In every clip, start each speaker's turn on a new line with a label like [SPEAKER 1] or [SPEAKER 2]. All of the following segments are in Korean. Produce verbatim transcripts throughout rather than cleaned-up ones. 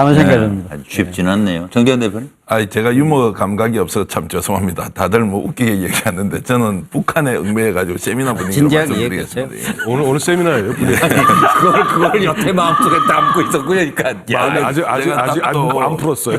[SPEAKER 1] 하는 생각입니다.
[SPEAKER 2] 아주 쉽지는 않네요. 정재현 대표님?
[SPEAKER 3] 아, 제가 유머 감각이 없어서 참 죄송합니다. 다들 뭐 웃기게 얘기하는데 저는 북한에 응매해가지고 세미나 분위기로
[SPEAKER 1] 진지하게
[SPEAKER 3] 말씀드리겠습니다. 예.
[SPEAKER 4] 오늘 오늘 세미나예요.
[SPEAKER 2] 그걸, 그걸 여태 마음속에 담고 있었고, 그러니까.
[SPEAKER 4] 야, 아직 아직
[SPEAKER 3] 제가
[SPEAKER 4] 아직 아직
[SPEAKER 3] 또-
[SPEAKER 4] 안 풀었어요.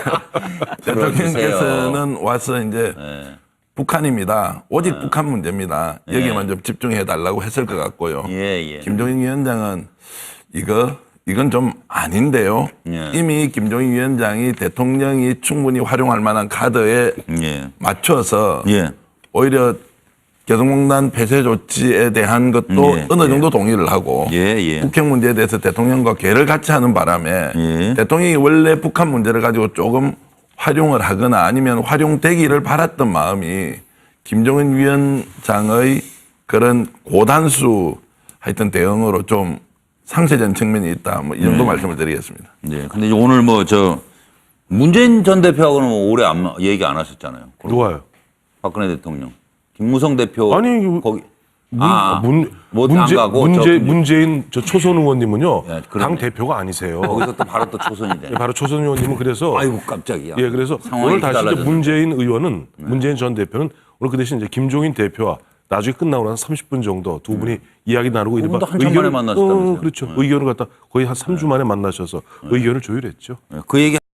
[SPEAKER 3] 대통령께서는 와서 이제
[SPEAKER 2] 네.
[SPEAKER 3] 북한입니다. 오직 북한 문제입니다. 여기만
[SPEAKER 2] 예.
[SPEAKER 3] 좀 집중해 달라고 했을 것 같고요.
[SPEAKER 2] 예, 예.
[SPEAKER 3] 김종인 위원장은 이거 이건 좀 아닌데요.
[SPEAKER 2] 예.
[SPEAKER 3] 이미 김종인 위원장이 대통령이 충분히 활용할 만한 카드에
[SPEAKER 2] 예.
[SPEAKER 3] 맞춰서
[SPEAKER 2] 예.
[SPEAKER 3] 오히려 개성공단 폐쇄 조치에 대한 것도
[SPEAKER 2] 예,
[SPEAKER 3] 어느
[SPEAKER 2] 예.
[SPEAKER 3] 정도 동의를 하고
[SPEAKER 2] 예, 예.
[SPEAKER 3] 북핵 문제에 대해서 대통령과 계를 같이 하는 바람에
[SPEAKER 2] 예.
[SPEAKER 3] 대통령이 원래 북한 문제를 가지고 조금 활용을 하거나 아니면 활용되기를 바랐던 마음이 김종인 위원장의 그런 고단수 하여튼 대응으로 좀 상쇄된 측면이 있다. 뭐 이 정도
[SPEAKER 2] 네.
[SPEAKER 3] 말씀을 드리겠습니다.
[SPEAKER 2] 네. 근데 이제 오늘 뭐 저 문재인 전 대표하고는 뭐 오래 안, 마- 얘기 안 하셨잖아요.
[SPEAKER 4] 누가요?
[SPEAKER 2] 박근혜 대통령. 김무성 대표.
[SPEAKER 4] 아니, 이거-
[SPEAKER 2] 거기.
[SPEAKER 4] 문,
[SPEAKER 2] 아,
[SPEAKER 4] 문,
[SPEAKER 2] 뭐안
[SPEAKER 4] 문재,
[SPEAKER 2] 가고
[SPEAKER 4] 문재,
[SPEAKER 2] 저-
[SPEAKER 4] 문재인 저 초선 의원님은요
[SPEAKER 2] 예, 그러네.
[SPEAKER 4] 당 대표가 아니세요.
[SPEAKER 2] 거기서 또 바로 또 초선이 돼.
[SPEAKER 4] 예, 바로 초선 의원님은 그래서
[SPEAKER 2] 아이고, 깜짝이야.
[SPEAKER 4] 예, 그래서
[SPEAKER 2] 상황이
[SPEAKER 4] 오늘 다시 이제
[SPEAKER 2] 달라졌네.
[SPEAKER 4] 문재인 의원은 문재인 전 대표는 오늘 그 대신 이제 김종인 대표와 나중에 끝나고 나서 삼십 분 정도 두 분이 이야기 나누고
[SPEAKER 2] 두 분도
[SPEAKER 4] 이른바
[SPEAKER 2] 한참 만에 만나셨다면서요?
[SPEAKER 4] 어, 그렇죠. 의견을 갖다 거의 한 삼 주 만에 만나셔서 의견을 조율했죠.
[SPEAKER 2] 그 얘기